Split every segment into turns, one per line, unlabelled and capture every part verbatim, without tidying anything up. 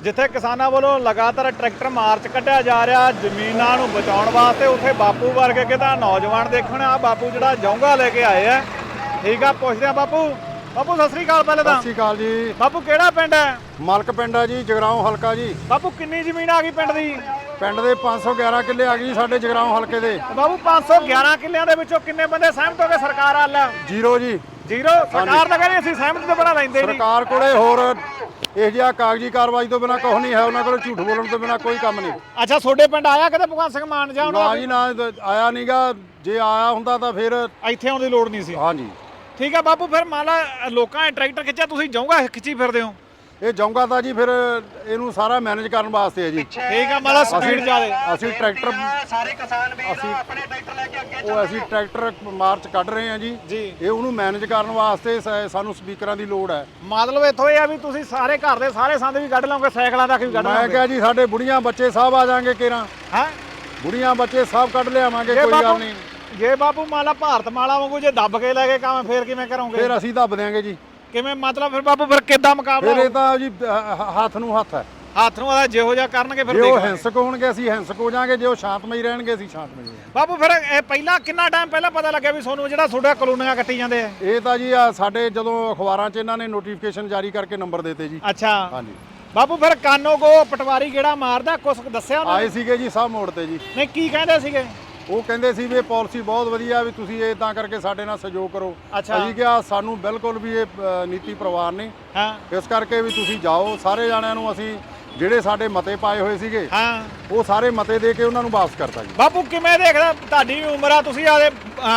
ਜਿੱਥੇ ਕਿਸਾਨਾਂ ਵੱਲੋਂ ਲਗਾਤਾਰ ਟਰੈਕਟਰ ਮਾਰਚ ਕੱਢਿਆ ਜਾ ਰਿਹਾ ਜ਼ਮੀਨਾਂ ਨੂੰ ਬਚਾਉਣ ਵਾਸਤੇ, ਉੱਥੇ ਬਾਪੂ ਵਰਗੇ ਕਿਤਾ ਨੌਜਵਾਨ ਦੇਖਣ ਆ ਬਾਪੂ ਜਿਹੜਾ ਜੌਂਗਾ ਲੈ ਕੇ ਆਏ ਆ। ਠੀਕ ਆ, ਪੁੱਛਦੇ ਆ ਬਾਪੂ। ਬਾਪੂ ਸਤਿ ਸ੍ਰੀ ਅਕਾਲ। ਪਹਿਲੇ ਤਾਂ
ਸਤਿ ਸ੍ਰੀ ਅਕਾਲ ਜੀ।
ਬਾਪੂ ਕਿਹੜਾ ਪਿੰਡ ਹੈ?
ਮਲਕ ਪਿੰਡ ਆ ਜੀ, ਜਗਰਾਉਂ ਹਲਕਾ ਜੀ।
ਬਾਪੂ ਕਿੰਨੀ ਜ਼ਮੀਨ ਆ ਗਈ ਪਿੰਡ ਦੀ?
ਪਿੰਡ ਦੇ ਪੰਜ ਸੌ ਗਿਆਰਾਂ ਕਿੱਲੇ ਆ ਗਈ ਸਾਡੇ ਜਗਰਾਉਂ ਹਲਕੇ ਦੇ।
ਬਾਪੂ ਪੰਜ ਸੌ ਗਿਆਰਾਂ ਕਿੱਲਿਆਂ ਦੇ ਵਿੱਚੋਂ ਕਿੰਨੇ ਬੰਦੇ ਸਹਿਮਤ ਹੋ ਗਏ ਸਰਕਾਰ ਵੱਲ?
ਜ਼ੀਰੋ ਜੀ।
ਜ਼ੀਰੋ? ਸਰਕਾਰ ਤਾਂ ਕਹਿੰਦੀ ਅਸੀਂ ਸਹਿਮਤ ਤੋਂ ਬਿਨਾਂ ਲੈਂਦੇ ਨਹੀਂ।
ਸਰਕਾਰ ਕੋਲੇ ਹੋਰ ਇਹ ਜਿਹਾ ਕਾਗਜ਼ੀ ਕਾਰਵਾਈ ਤੋਂ ਬਿਨਾਂ ਕੁਝ ਨਹੀਂ ਹੈ, ਉਹਨਾਂ ਕੋਲ ਝੂਠ ਬੋਲਣ ਤੋਂ ਬਿਨਾਂ ਕੋਈ ਕੰਮ ਨਹੀਂ।
ਅੱਛਾ, ਤੁਹਾਡੇ ਪਿੰਡ ਆਇਆ ਕਦੇ ਭਗਵੰਤ ਸਿੰਘ ਮਾਨ ਜਾਂ
ਨਾ ਜੀ ਨਾ, ਆਇਆ ਨਹੀਂਗਾ। ਜੇ ਆਇਆ ਹੁੰਦਾ ਤਾਂ ਫਿਰ
ਇੱਥੇ ਆਉਣ ਦੀ ਲੋੜ ਨਹੀਂ ਸੀ।
ਹਾਂਜੀ
ਠੀਕ ਆ ਬਾਪੂ, ਫਿਰ ਮੰਨ ਲਾ ਲੋਕਾਂ ਨੇ ਟਰੈਕਟਰ ਖਿੱਚਿਆ, ਤੁਸੀਂ ਜਾਊਗਾ ਖਿੱਚੀ ਫਿਰਦੇ ਹੋ?
ਇਹ ਜਾਊਗਾ ਤਾਂ ਜੀ ਫਿਰ ਇਹਨੂੰ ਸਾਰਾ ਮੈਨੇਜ ਕਰਨ ਵਾਸਤੇ ਹੈ ਜੀ।
ਠੀਕ ਆ, ਮਤਲਬ ਸਪੀਡ ਜ਼ਿਆਦਾ।
ਅਸੀਂ ਟਰੈਕਟਰ
ਸਾਰੇ ਕਿਸਾਨ ਵੀਰ
ਅਸੀਂ
ਆਪਣੇ ਟਰੈਕਟਰ ਲੈ ਕੇ ਅੱਗੇ
ਉਹ ਅਸੀਂ ਟਰੈਕਟਰ ਮਾਰਚ ਕੱਢ ਰਹੇ ਹਾਂ ਜੀ।
ਜੀ
ਇਹ ਉਹਨੂੰ ਮੈਨੇਜ ਕਰਨ ਵਾਸਤੇ ਸ- ਸਾਨੂੰ ਸਪੀਕਰਾਂ ਦੀ ਲੋੜ ਹੈ।
ਮਤਲਬ ਇੱਥੋਂ ਇਹ ਆ ਵੀ ਤੁਸੀਂ ਸਾਰੇ ਘਰ ਦੇ ਸਾਰੇ ਸੰਦ ਵੀ ਕੱਢ ਲਓਗੇ, ਸਾਈਕਲਾਂ ਤੱਕ ਵੀ ਕੱਢ
ਮੈਂ
ਲਓਗੇ?
ਕਿਹਾ ਜੀ ਸਾਡੇ ਬੁੜੀਆਂ ਬੱਚੇ ਸਭ ਆ ਜਾਣਗੇ ਕੇਰਾਂ।
ਹੈ
ਬੁੜੀਆਂ ਬੱਚੇ ਸਭ ਕੱਢ ਲਿਆਵਾਂਗੇ,
ਜੇ
ਕੋਈ ਗੱਲ
ਬਾਪੂ
ਨਹੀਂ।
ਜੇ ਬਾਪੂ ਮਾਲਾ ਭਾਰਤ ਮਾਲਾ ਵਾਂਗੂ ਜੇ ਦੱਬ ਕੇ ਲੈ ਕੇ ਕੰਮ ਫੇਰ ਕਿਵੇਂ ਕਰੋਗੇ?
ਫਿਰ ਅਸੀਂ ਦੱਬ ਦਿਆਂਗੇ ਜੀ।
ਕਿਵੇਂ ਮਤਲਬ ਫਿਰ ਬਾਪੂ ਫਿਰ ਕਿੱਦਾਂ ਮੁਕਾਬਲਾ
ਫਿਰ ਇਹ
ਹੋਊ?
ਤਾਂ ਜੀ ਹ- ਹੱਥ ਨੂੰ ਹੱਥ ਹੈ।
ਹੱਥ ਨੂੰ ਆਦਾ ਜਿਹੋ ਜਿਹਾ ਕਰਨਗੇ ਫਿਰ
ਜੇ ਉਹ
ਦੇਖਾਂਗੇ।
ਹਿੰਸਕ ਹੋਣਗੇ ਅਸੀਂ ਹਿੰਸਕ ਹੋ ਜਾਾਂਗੇ, ਜੇ ਉਹ ਸ਼ਾਂਤਮਈ ਰਹਿਣਗੇ ਅਸੀਂ ਸ਼ਾਂਤਮਈ ਹੋ ਜਾਾਂਗੇ।
ਬਾਪੂ ਫਿਰ ਇਹ ਪਹਿਲਾਂ ਕਿੰਨਾ ਟਾਈਮ ਪਹਿਲਾਂ ਪਤਾ ਲੱਗਿਆ ਵੀ ਤੁਹਾਨੂੰ ਜਿਹੜਾ ਤੁਹਾਡਾ ਕਲੋਨੀਆਂ ਕੱਟੀ ਜਾਂਦੇ ਆ?
ਇਹ ਤਾਂ ਜੀ ਆ ਸਾਡੇ ਜਦੋਂ ਅਖਬਾਰਾਂ 'ਚ ਇਹਨਾਂ ਨੇ ਨੋਟੀਫਿਕੇਸ਼ਨ ਜਾਰੀ ਕਰਕੇ ਨੰਬਰ ਦਿੱਤੇ ਜੀ।
ਅੱਛਾ
ਹਾਂਜੀ,
ਬਾਪੂ ਫਿਰ ਕਾਨੋ ਕੋ ਪਟਵਾਰੀ ਕਿਹੜਾ ਮਾਰਦਾ, ਕੁਛ ਦੱਸਿਆ ਉਹਨਾਂ
ਆਏ
ਨੇ?
ਸੀਗੇ ਜੀ ਸਭ ਮੋੜ ਤੇ ਜੀ।
ਨਹੀਂ, ਕੀ ਕਹਿੰਦੇ ਸੀਗੇ?
ਉਹ ਕਹਿੰਦੇ ਸੀ ਵੀ ਇਹ ਪਾਲਿਸੀ ਬਹੁਤ ਵਧੀਆ, ਵੀ ਤੁਸੀਂ ਇਹ ਤਾਂ ਕਰਕੇ ਸਾਡੇ ਨਾਲ ਸਹਿਯੋਗ ਕਰੋ।
ਅੱਛਾ।
ਅਸੀਂ ਕਿਹਾ ਸਾਨੂੰ ਬਿਲਕੁਲ ਵੀ ਇਹ ਅ, ਨੀਤੀ ਪ੍ਰਵਾਨ ਨਹੀਂ,
ਹਾਂ
ਇਸ ਕਰਕੇ ਵੀ ਤੁਸੀਂ ਜਾਓ। ਸਾਰੇ ਜਾਣਿਆਂ ਨੂੰ ਅਸੀਂ ਜਿਹੜੇ ਸਾਡੇ ਮਤੇ ਪਾਏ ਹੋਏ ਸੀਗੇ
ਹਾਂ
ਉਹ ਸਾਰੇ ਮਤੇ ਦੇ ਕੇ ਉਹਨਾਂ ਨੂੰ ਵਾਪਸ ਕਰਤਾ ਜੀ।
ਬਾਪੂ ਕਿਵੇਂ ਦੇਖਦਾ, ਤੁਹਾਡੀ ਉਮਰ ਆ, ਤੁਸੀਂ ਆਦੇ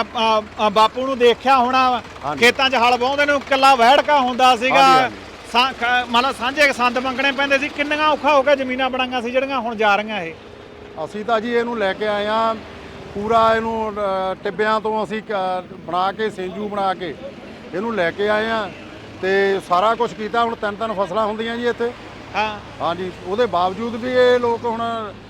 ਬਾਪੂ ਨੂੰ ਦੇਖਿਆ ਹੋਣਾ ਵਾ,
ਹਾਂਜੀ।
ਖੇਤਾਂ 'ਚ ਹਲ ਵਾਹੁੰਦੇ ਨੂੰ ਇਕੱਲਾ ਵਹਿੜਕਾ ਹੁੰਦਾ ਸੀਗਾ,
ਹਾਂਜੀ,
ਸਾ- ਖ- ਮਤਲਬ ਸਾਂਝੇ ਸੰਦ ਮੰਗਣੇ ਪੈਂਦੇ ਸੀ, ਕਿੰਨੀਆਂ ਔਖਾ ਹੋ ਕੇ ਜ਼ਮੀਨਾਂ ਬਣਾਈਆਂ ਸੀ ਜਿਹੜੀਆਂ ਹੁਣ ਜਾ ਰਹੀਆਂ ਇਹ?
ਅਸੀਂ ਤਾਂ ਜੀ ਇਹਨੂੰ ਲੈ ਕੇ ਆਏ ਆ ਪੂਰਾ, ਇਹਨੂੰ ਅ, ਟਿੱਬਿਆਂ ਤੋਂ ਅਸੀਂ ਕ- ਬਣਾ ਕੇ ਸਿੰਜੂ ਬਣਾ ਕੇ ਇਹਨੂੰ ਲੈ ਕੇ ਆਏ ਆ ਤੇ ਸਾਰਾ ਕੁਝ ਕੀਤਾ। ਹੁਣ ਤਿੰਨ ਤਿੰਨ ਫਸਲਾਂ ਹੁੰਦੀਆਂ ਜੀ ਇੱਥੇ।
ਹਾਂ
ਹਾਂਜੀ, ਉਹਦੇ ਬਾਵਜੂਦ ਵੀ ਇਹ ਲੋਕ ਹੁਣ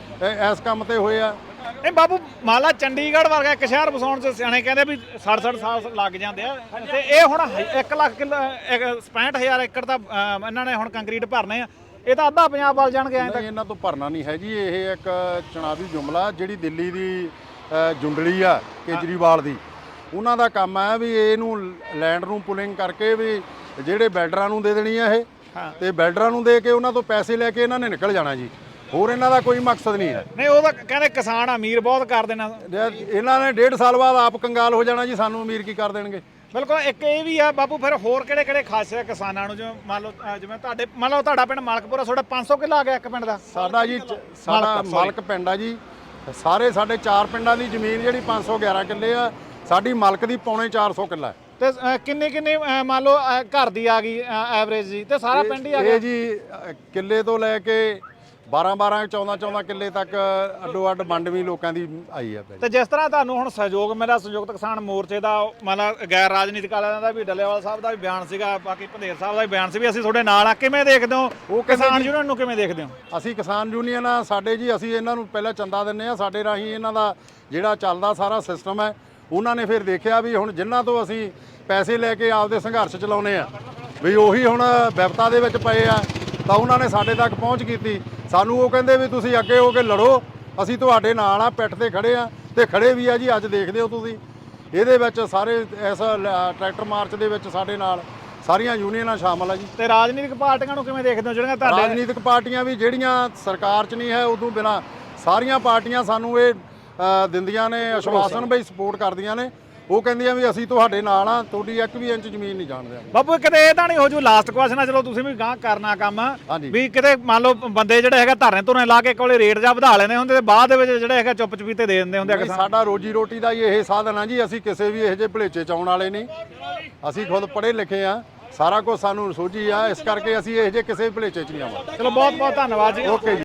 ਇ- ਇਸ ਕੰਮ ਤੇ ਹੋਏ ਆ।
ਨਹੀਂ ਬਾਪੂ, ਮੰਨ ਲਾ ਚੰਡੀਗੜ੍ਹ ਵਰਗਾ ਇੱਕ ਸ਼ਹਿਰ ਵਸਾਉਣ 'ਚ ਸਿਆਣੇ ਕਹਿੰਦੇ ਵੀ ਸੱਠ ਸੱਠ ਸਾਲ ਲੱਗ ਜਾਂਦੇ ਆ, ਤੇ ਇਹ ਹੁਣ ਇੱਕ ਲੱਖ ਕਿੱਲਾ ਪੈਂਹਠ ਹਜ਼ਾਰ ਏਕੜ ਦਾ ਅ, ਇਹਨਾਂ ਨੇ ਹੁਣ ਕੰਕਰੀਟ ਭਰਨੇ ਆ, ਇਹ ਤਾਂ ਅੱਧਾ ਪੰਜਾਬ ਵੱਲ ਜਾਣਗੇ ਐਂ
ਨਹੀਂ,
ਤੱਕ।
ਇਹਨਾਂ ਤੋਂ ਭਰਨਾ ਨਹੀਂ ਹੈ ਜੀ। ਇਹ ਇੱਕ ਚੁਣਾਵੀ ਜੁਮਲਾ ਜਿਹੜੀ ਦਿੱਲੀ ਦੀ ਅ, ਜੁੰਡਲੀ ਆ ਕੇਜਰੀਵਾਲ ਦੀ, ਉਹਨਾਂ ਦਾ ਕੰਮ ਹੈ ਵੀ ਇਹਨੂੰ ਲੈਂਡ ਨੂੰ ਪੁਲਿੰਗ ਕਰਕੇ ਵੀ ਜਿਹੜੇ ਬਿਲਡਰਾਂ ਨੂੰ ਦੇ ਦੇਣੀ ਆ ਇਹ,
ਹਾਂ।
ਤੇ ਬਿਲਡਰਾਂ ਨੂੰ ਦੇ ਕੇ ਉਹਨਾਂ ਤੋਂ ਪੈਸੇ ਲੈ ਕੇ ਇਹਨਾਂ ਨੇ ਨਿਕਲ ਜਾਣਾ ਜੀ। ਹੋਰ ਇਹਨਾਂ ਦਾ ਕੋਈ ਮਕਸਦ ਨਹੀਂ ਹੈ।
ਨਹੀਂ, ਉਹ ਤਾਂ ਕਹਿੰਦੇ ਕਿਸਾਨ ਅਮੀਰ ਬਹੁਤ ਕਰ ਦੇਣਾ।
ਜੇ ਇਹਨਾਂ ਨੇ ਡੇਢ ਸਾਲ ਬਾਅਦ ਆਪ ਕੰਗਾਲ ਹੋ ਜਾਣਾ ਜੀ, ਸਾਨੂੰ ਅਮੀਰ ਕੀ ਕਰ ਦੇਣਗੇ।
ਬਿਲਕੁਲ। ਇੱਕ ਇਹ ਵੀ ਆ ਬਾਪੂ, ਫਿਰ ਹੋਰ ਕਿਹੜੇ ਕਿਹੜੇ ਖਾਸੇ ਕਿਸਾਨਾਂ ਨੂੰ, ਜਿਵੇਂ ਮੰਨ ਲਓ ਅ, ਜਿਵੇਂ ਤੁਹਾਡੇ ਮੰਨ ਲਓ ਤੁਹਾਡਾ ਪਿੰਡ ਮਲਕਪੁਰਾ, ਤੁਹਾਡਾ ਪੰਜ ਸੌ ਕਿੱਲਾ ਆ ਗਿਆ ਇੱਕ ਪਿੰਡ ਦਾ?
ਸਾਡਾ ਜੀ ਚ- ਸਾਡਾ
ਮਲਕ, sorry।
ਮਲਕ ਪਿੰਡ ਆ ਜੀ। ਸਾਰੇ ਸਾਡੇ ਚਾਰ ਪਿੰਡਾਂ ਦੀ ਜ਼ਮੀਨ ਜਿਹੜੀ ਪੰਜ ਸੌ ਗਿਆਰਾਂ ਕਿੱਲੇ ਆ, ਸਾਡੀ ਮਲਕ ਦੀ ਪੌਣੇ ਚਾਰ ਸੌ ਕਿੱਲਾ ਹੈ।
ਤੇ ਅ, ਕਿੰਨੇ ਕਿੰਨੇ ਅ, ਮੰਨ ਲਓ ਅ, ਘਰ ਦੀ ਆ ਗਈ ਐਵਰੇਜ ਜੀ, ਤੇ ਸਾਰਾ ਪਿੰਡ ਹੀ ਆ
ਇਹ
ਗਿਆ?
ਜੀ ਅ, ਕਿੱਲੇ ਤੋਂ ਲੈ ਕੇ ਬਾਰਾਂ ਬਾਰਾਂ ਚੌਦਾਂ ਚੌਦਾਂ ਕਿੱਲੇ ਤੱਕ ਅੱਡੋ ਅੱਡ ਵੰਡਵੀਂ ਲੋਕਾਂ ਦੀ ਆਈ ਆ ਭਾਈ।
ਤੇ ਜਿਸ ਤਰ੍ਹਾਂ ਤੁਹਾਨੂੰ ਹੁਣ ਸਹਿਯੋਗ ਮਿਲਿਆ ਸੰਯੁਕਤ ਕਿਸਾਨ ਮੋਰਚੇ ਦਾ, ਮਤਲਬ ਗੈਰ ਰਾਜਨੀਤਿਕ ਵਾਲਿਆਂ ਦਾ ਵੀ, ਡੱਲੇਵਾਲ ਸਾਹਿਬ ਦਾ ਵੀ ਬਿਆਨ ਸੀਗਾ, ਬਾਕੀ ਭੰਦੇਰ ਸਾਹਿਬ ਦਾ ਵੀ ਬਿਆਨ ਸੀ ਵੀ ਅਸੀਂ ਤੁਹਾਡੇ ਨਾਲ ਆ, ਕਿਵੇਂ ਦੇਖਦੇ ਹੋ?
ਉਹ ਕਹਿੰਦੇ
ਕਿਸਾਨ
ਜੀ-
ਯੂਨੀਅਨ ਨੂੰ ਕਿਵੇਂ ਦੇਖਦੇ ਹੋ?
ਅਸੀਂ ਕਿਸਾਨ ਯੂਨੀਅਨ ਆ ਸਾਡੇ ਜੀ, ਅਸੀਂ ਇਹਨਾਂ ਨੂੰ ਪਹਿਲਾਂ ਚੰਦਾ ਦਿੰਨੇ ਆ, ਸਾਡੇ ਰਾਹੀਂ ਇਹਨਾਂ ਦਾ ਜਿਹੜਾ ਚੱਲਦਾ ਸਾਰਾ ਸਿਸਟਮ ਹੈ। ਉਹਨਾਂ ਨੇ ਫਿਰ ਦੇਖਿਆ ਵੀ ਹੁਣ ਜਿਨ੍ਹਾਂ ਤੋਂ ਅਸੀਂ ਪੈਸੇ ਲੈ ਕੇ ਆਪਦੇ ਸੰਘਰਸ਼ ਚਲਾਉਨੇ ਆ ਵੀ ਉਹੀ ਹੁਣ ਵਿਪਤਾ ਦੇ ਵਿੱਚ ਪਏ ਆ, ਤਾਂ ਉਹਨਾਂ ਨੇ ਸਾਡੇ ਤੱਕ ਪਹੁੰਚ ਕੀਤੀ। ਸਾਨੂੰ ਉਹ ਕਹਿੰਦੇ ਵੀ ਤੁਸੀਂ ਅੱਗੇ ਹੋ ਕੇ ਲੜੋ, ਅਸੀਂ ਤੁਹਾਡੇ ਨਾਲ ਆ, ਪਿੱਠ ਤੇ ਖੜੇ ਆ, ਤੇ ਖੜੇ ਵੀ ਆ ਜੀ। ਅੱਜ ਦੇਖਦੇ ਹੋ ਤੁਸੀਂ ਇਹਦੇ ਵਿੱਚ ਸਾਰੇ ਇਸ ਲ- ਟਰੈਕਟਰ ਮਾਰਚ ਦੇ ਵਿੱਚ ਸਾਡੇ ਨਾਲ ਸਾਰੀਆਂ ਯੂਨੀਅਨਾਂ ਸ਼ਾਮਲ ਆ ਜੀ।
ਤੇ ਰਾਜਨੀਤਿਕ ਪਾਰਟੀਆਂ ਨੂੰ ਕਿਵੇਂ ਦੇਖਦੇ ਹੋ ਜਿਹੜੀਆਂ ਤੁਹਾਡੇ?
ਰਾਜਨੀਤਿਕ ਪਾਰਟੀਆਂ ਵੀ ਜਿਹੜੀਆਂ ਸਰਕਾਰ 'ਚ ਨਹੀਂ ਹੈ, ਉਦੋਂ ਬਿਨਾਂ ਸਾਰੀਆਂ ਪਾਰਟੀਆਂ ਸਾਨੂੰ ਇਹ ਅ, ਦਿੰਦੀਆਂ ਨੇ ਆਸ਼ਵਾਸਨ ਵੀ ਸਪੋਰਟ ਕਰਦੀਆਂ ਨੇ। ਉਹ ਕਹਿੰਦੀਆਂ ਵੀ ਅਸੀਂ ਤੁਹਾਡੇ ਨਾਲ ਆ, ਤੁਹਾਡੀ ਇੱਕ ਵੀ ਇੰਚ ਜ਼ਮੀਨ ਨਹੀਂ ਜਾਣ ਦਿਆਂਗੇ।
ਬਾਪੂ ਕਿਤੇ ਇਹ ਤਾਂ ਨਹੀਂ ਹੋ ਜੂ, ਲਾਸਟ ਕੁਐਸਚਨ ਆ, ਚਲੋ ਤੁਸੀਂ ਵੀ ਗਾਂ ਕਰਨਾ ਕੰਮ
ਹਾਂਜੀ।
ਵੀ ਕਿਤੇ ਮੰਨ ਲਓ ਬੰਦੇ ਜਿਹੜੇ ਹੈਗਾ ਧਰਨੇ ਧੁਰਨੇ ਲਾ ਕੇ ਕੋਲੇ ਰੇਟ ਜਾਂ ਵਧਾ ਲੈਂਦੇ ਹੁੰਦੇ, ਤੇ ਬਾਅਦ ਦੇ ਵਿੱਚ ਜਿਹੜੇ ਹੈਗਾ ਚੁੱਪ ਚਪੀਤੇ ਦੇ ਦਿੰਦੇ ਹੁੰਦੇ ਆ
ਨਹੀਂ,
ਕਿਸਾਨ।
ਸਾਡਾ ਰੋਜੀ ਰੋਟੀ ਦਾ ਹੀ ਇਹ ਸਾਧਨ ਆ ਜੀ। ਅਸੀਂ ਕਿਸੇ ਵੀ ਇਹੋ ਜਿਹੇ ਭਲੇਚੇ ਚ ਆਉਣ ਵਾਲੇ ਨਹੀਂ। ਅਸੀਂ ਖੁਦ ਪੜ੍ਹੇ ਲਿਖੇ ਆ, ਸਾਰਾ ਕੁਝ ਸਾਨੂੰ ਸੋਝੀ ਆ, ਇਸ ਕਰਕੇ ਅਸੀਂ ਇਹੋ ਜਿਹੇ ਕਿਸੇ ਵੀ ਭਲੇਚੇ ਚ ਨਹੀਂ ਆਵਾਂਗੇ।
ਚਲੋ ਬਹੁਤ ਬਹੁਤ ਧੰਨਵਾਦ ਜੀ।
ਓਕੇ ਜੀ।